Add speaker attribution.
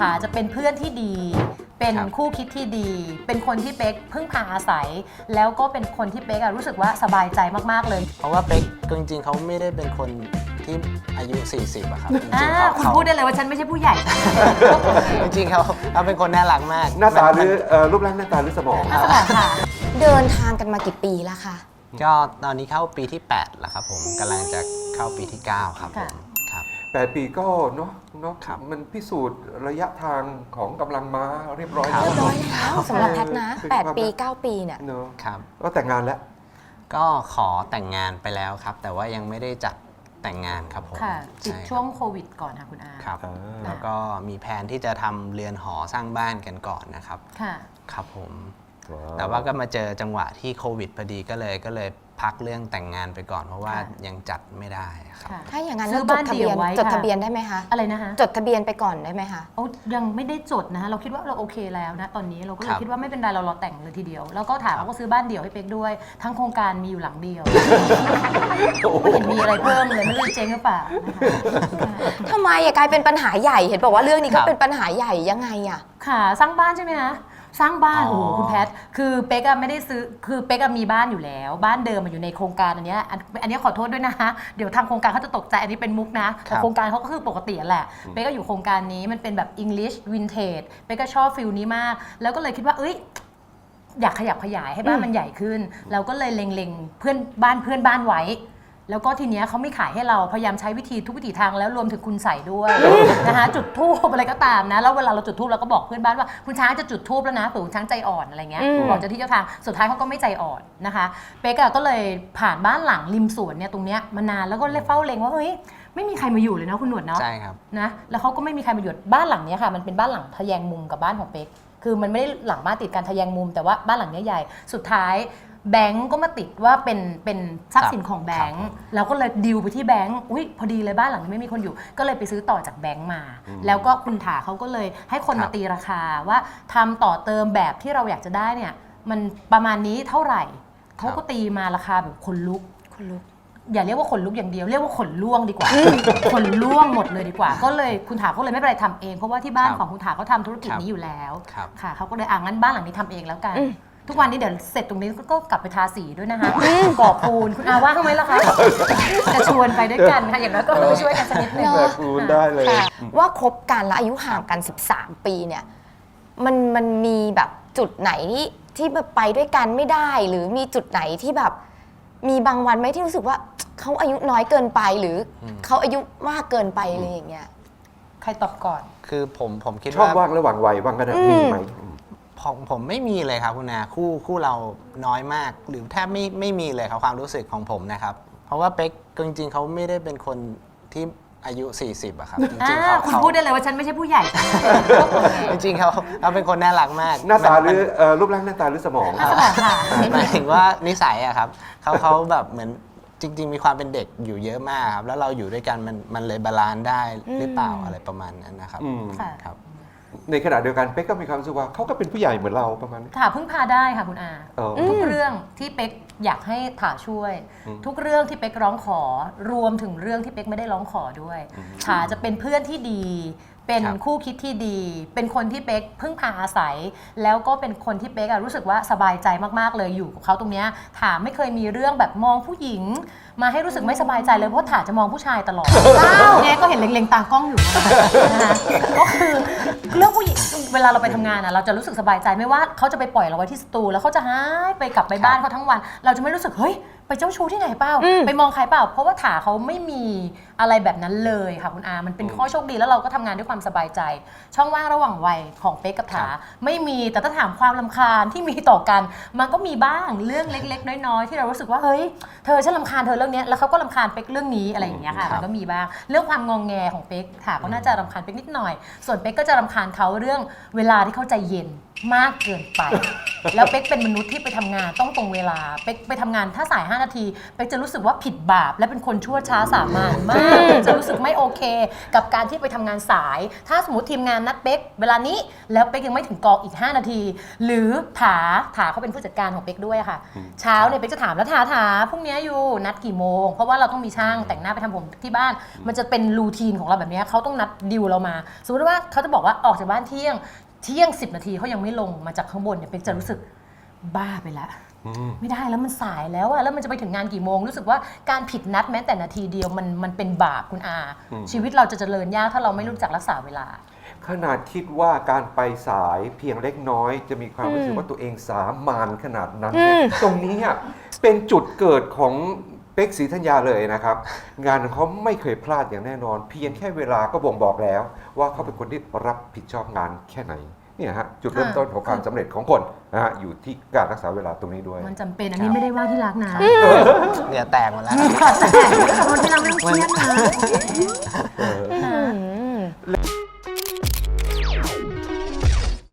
Speaker 1: ถาจะเป็นเพื่อนที่ดีเป็นคู่คิดที่ดีเป็นคนที่เป๊กพึ่งพาอาศัยแล้วก็เป็นคนที่เป๊กรู้สึกว่าสบายใจมากๆเลย
Speaker 2: เพราะว่าเป๊กจริงๆเขาไม่ได้เป็นคนที่อายุ40อะครับจริงๆ
Speaker 1: คุณพูดได้เลยว่าฉันไม่ใช่ผู้ใหญ่
Speaker 2: จริงๆเขาเป็นคนน่ารักมาก
Speaker 3: หน้าตาหรือรูปร่างหน้าตาหรือสมอง
Speaker 1: สมองค่ะ
Speaker 4: เดินทางกันมากี่ปีแล้วคะ
Speaker 2: ก็ตอนนี้เข้าปีที่8แล้วครับผมกำลังจะเข้าปีที่9ครับผมครับ
Speaker 3: 8 ปีก็เนาะมันพิสูจน์ระยะทางของกำลังม้าเรียบร้อยแล้ว
Speaker 4: สำหรับแพทนะ8 ปี 9 ปีเนี่ย
Speaker 3: เนาะ
Speaker 2: ครับ
Speaker 3: ก็แต่งงานแล้ว
Speaker 2: ก็ขอแต่งงานไปแล้วครับแต่ว่ายังไม่ได้จัดแต่งงานครับผม
Speaker 1: ค่ะติดช่วงโควิดก่อนค่ะคุณอา
Speaker 2: ครับแล้วก็มีแผนที่จะทำเรือนหอสร้างบ้านกันก่อนนะครับ
Speaker 1: ค่ะ
Speaker 2: ครับผมแต่ว่าก็มาเจอจังหวะที่โควิดพอดีก็เลยพักเรื่องแต่งงานไปก่อนเพราะว่ายังจัดไม่ได้ครับ
Speaker 4: ถ้าอย่างนั้นจดทะเบียนได้ไหมคะ
Speaker 1: อะไรนะคะ
Speaker 4: จดทะเบียนไปก่อนได้ไหมคะ
Speaker 1: ยังไม่ได้จดนะคะเราคิดว่าเราโอเคแล้วนะตอนนี้เราก็เลยคิดว่าไม่เป็นไรเราแต่งเลยทีเดียวแล้วก็ถามเขาก็ซื้อบ้านเดี่ยวให้เป๊กด้วยทั้งโครงการมีอยู่หลังเดียวไม่เห็นมีอะไรเพิ่มเลยไม่รู้เจ๊งหรือเปล่า
Speaker 4: ทำไมกลายเป็นปัญหาใหญ่เห็นบอกว่าเรื่องนี้ก็เป็นปัญหาใหญ่ยังไงอะ
Speaker 1: ค่ะสร้างบ้านใช่ไหมคะสร้างบ้านโอ้โหคุณแพทคือเป๊กไม่ได้ซื้อคือเป๊กมีบ้านอยู่แล้วบ้านเดิมอยู่ในโครงการอันนี้ขอโทษด้วยนะคะเดี๋ยวทางโครงการเขาจะตกใจอันนี้เป็นมุกนะแต่โครงการเขาก็คือปกติแหละเป๊กก็อยู่โครงการนี้มันเป็นแบบ English Vintage เป๊กก็ชอบฟิลนี้มากแล้วก็เลยคิดว่าอยากขยับขยายให้บ้านมันใหญ่ขึ้นเราก็เลยเล็งเพื่อนบ้านไว้แล้วก็ทีเนี้ยเขาไม่ขายให้เราพยายามใช้วิธีทุกวิถีทางแล้วรวมถึงคุณใส่ด้วยนะคะจุดธูปอะไรก็ตามนะแล้วเวลาเราจุดธูปเราก็บอกเพื่อนบ้านว่าคุณช้างจะจุดธูปแล้วนะเผื่อคุณช้างใจอ่อนอะไรเงี้ยบอกเจ้าที่เจ้าทางสุดท้ายเขาก็ไม่ใจอ่อนนะคะเป๊กก็เลยผ่านบ้านหลังริมสวนเนี่ยตรงเนี้ยมานานแล้วก็เฝ้าเล็งว่าเฮ้ยไม่มีใครมาอยู่เลยนะคุณหนวดเนาะ
Speaker 2: ใช่ครับ
Speaker 1: นะแล้วเขาก็ไม่มีใครมาอยู่บ้านหลังนี้ค่ะมันเป็นบ้านหลังทะแยงมุมกับบ้านของเป๊กคือมันไม่ได้หลังบ้านติดกันทะแยงมุมแต่ว่าบ้านหลังนี้ใหญ่สุดท้ายแบงก์ก็มาติดว่าเป็นทรัพย์สินของแบงก์เราก็เลยดิวไปที่แบงก์พอดีเลยบ้านหลังนี้ไม่มีคนอยู่ก็เลยไปซื้อต่อจากแบงก์มาแล้วก็คุณถาเขาก็เลยให้คนมาตีราคาว่าทำต่อเติมแบบที่เราอยากจะได้เนี่ยมันประมาณนี้เท่าไหร่เขาก็ตีมาราคาแบบขนลุกอย่าเรียกว่าขนลุกอย่างเดียวเรียกว่าขนล่วงดีกว่าขนล่วงหมดเลยดีกว่าก็เลยคุณถาเขาเลยไม่เป็นไรทำเองเพราะว่าที่บ้านของคุณถาเขาทำธุรกิจนี้อยู่แล้วค่ะเขาก็เลยงั้นบ้านหลังนี้ทำเองแล้วกันทุกวันนี้เดี๋ยวเสร็จตรงนี้ก็กลับไปทาสีด้วยนะคะก่อปูนคุณอาว่าทำไมล่ะคะจะชวนไปด้วยกันค่ะอย่างน้อยก็ช่วยกันสักนิดนึง
Speaker 3: ก่อปูนได้เลย
Speaker 4: ว่าคบกันแล้วอายุห่างกัน13 ปีเนี่ยมันมีแบบจุดไหนที่แบบไปด้วยกันไม่ได้หรือมีจุดไหนที่แบบมีบางวันไหมที่รู้สึกว่าเขาอายุน้อยเกินไปหรือเขาอายุมากเกินไปอะไรอย่างเงี้ย
Speaker 1: ใครตอบก่อน
Speaker 2: คือผมคิดว่า
Speaker 3: ชอบว่างระหว่างวัยว่างกันมีไหม
Speaker 2: ผมไม่มีเลยครับคุณอาคู่เราน้อยมากหรือแทบไม่มีเลยครับความรู้สึกของผมนะครับเพราะว่าเป๊กจริงๆเขาไม่ได้เป็นคนที่อายุ40อะครับจริงๆ
Speaker 1: คุณพูดได้เลยว่าฉันไม่ใช่ผู้ใหญ่
Speaker 2: จริงๆเขาเป็นคนน่ารักมาก
Speaker 3: หน้าตาหรือรูปร่างหน้าตาหรือสมอง
Speaker 2: หมายถึงว่านิสัยอะครับเขาแบบเหมือนจริงๆมีความเป็นเด็กอยู่เยอะมากครับแล้วเราอยู่ด้วยกันมันเลยบาลานซ์ได้หรือเปล่าอะไรประมาณนั้นนะครับครับ
Speaker 3: ในขณะเดียวกันเป๊กก็มีความรู้สึกว่าเขาก็เป็นผู้ใหญ่เหมือนเราประมาณนี้
Speaker 1: ถาพึ่งพาได้ค่ะคุณอาทุกเรื่องที่เป๊กอยากให้ถาช่วยทุกเรื่องที่เป๊กร้องขอรวมถึงเรื่องที่เป๊กไม่ได้ร้องขอด้วยถาจะเป็นเพื่อนที่ดีเป็นคู่คิดที่ดีเป็นคนที่เป๊กพึ่งพาอาศัยแล้วก็เป็นคนที่เป๊กรู้สึกว่าสบายใจมากๆเลยอยู่กับเขาตรงนี้ถาไม่เคยมีเรื่องแบบมองผู้หญิงมาให้รู้สึกไม่สบายใจเลยเพราะถาจะมองผู้ชายตลอดเนี่ยก็เห็นเล็งๆตากล้องอยู่นะคะก็คือเรื่องผู้หญิงเวลาเราไปทำงานเราจะรู้สึกสบายใจไม่ว่าเขาจะไปปล่อยเราไว้ที่สตูแล้วเขาจะหายไปกลับไปบ้านเขาทั้งวันเราจะไม่รู้สึกเฮ้ยไปเจ้าชู้ที่ไหนเปล่าไปมองใครเปล่าเพราะว่าถาเขาไม่มีอะไรแบบนั้นเลยค่ะคุณอามันเป็นข้อโชคดีแล้วเราก็ทำงานด้วยความสบายใจช่องว่างระหว่างวัยของเป๊กกับถาไม่มีแต่ถ้าถามความรำคาญที่มีต่อกันมันก็มีบ้างเรื่องเล็กๆน้อยๆที่เรารู้สึกว่าเฮ้ยเธอฉันรำคาญเธอเรื่องนี้แล้วเขาก็รำคาญเป๊กเรื่องนี้อะไรอย่างเงี้ยค่ะมันก็มีบ้างเรื่องความงองแงของเป๊กถาก็น่าจะรำคาญเป๊กนิดหน่อยส่วนเป๊กก็จะรำคาญเขาเรื่องเวลาที่เขาใจเย็นมากเกินไปแล้วเป๊กเป็นมนุษย์ที่ไปทำงานต้องตรงเวลาเป๊กไปทำงานถ้าสาย5 5 นาทีเป๊กจะรู้สึกว่าผิดบาปและเป็นคนชั่วช้าสามัญมากจะรู้สึกไม่โอเค กับการที่ไปทำงานสาย ถ้าสมมติทีมงานนัดเป๊กเวลานี้แล้วเป๊กยังไม่ถึงกองอีก 5 นาที หรือถาเขาเป็นผู้จัดการของเป๊กด้วยค่ะเช้าเนี่ยเป๊กจะถามแล้วถาพรุ่งนี้อยู่นัดกี่โมงเพราะว่าเราต้องมีช่างแต่งหน้าไปทำผมที่บ้านมันจะเป็นรูทีนของเราแบบนี้เขาต้องนัดดิวเรามาสมมติว่าเขาจะบอกว่าออกจากบ้านเที่ยง 10 นาทีเขายังไม่ลงมาจากข้างบนเนี่ยเป๊กจะรู้สึกบ้าไปแล้วไม่ได้แล้วมันสายแล้วอะแล้วมันจะไปถึงงานกี่โมงรู้สึกว่าการผิดนัดแม้แต่นาทีเดียวมันเป็นบาปคุณอาชีวิตเราจะเจริญยากถ้าเราไม่รู้จักรักษาเวลา
Speaker 3: ขนาดคิดว่าการไปสายเพียงเล็กน้อยจะมีความรู้สึกว่าตัวเองสามานขนาดนั้นเนี่ยตรงนี้เป็นจุดเกิดของเป๊กศรีธัญญาเลยนะครับ งานของเขาไม่เคยพลาดอย่างแน่นอน เพียงแค่เวลาก็บ่งบอกแล้ว ว่าเขาเป็นคนที่รับผิดชอบงานแค่ไหนเนี่ยฮะจุดเริ่มต้นของความสำเร็จของคนนะฮะอยู่ที่การรักษาเวลาตรงนี้ด้วย
Speaker 1: มันจำเป็นอันนี้ไม่ได้ว่าที่รักนะ
Speaker 2: เหงื่อแตกหมดแล้ว
Speaker 1: แต่คนที่เราไม่ต้องเครียดนะ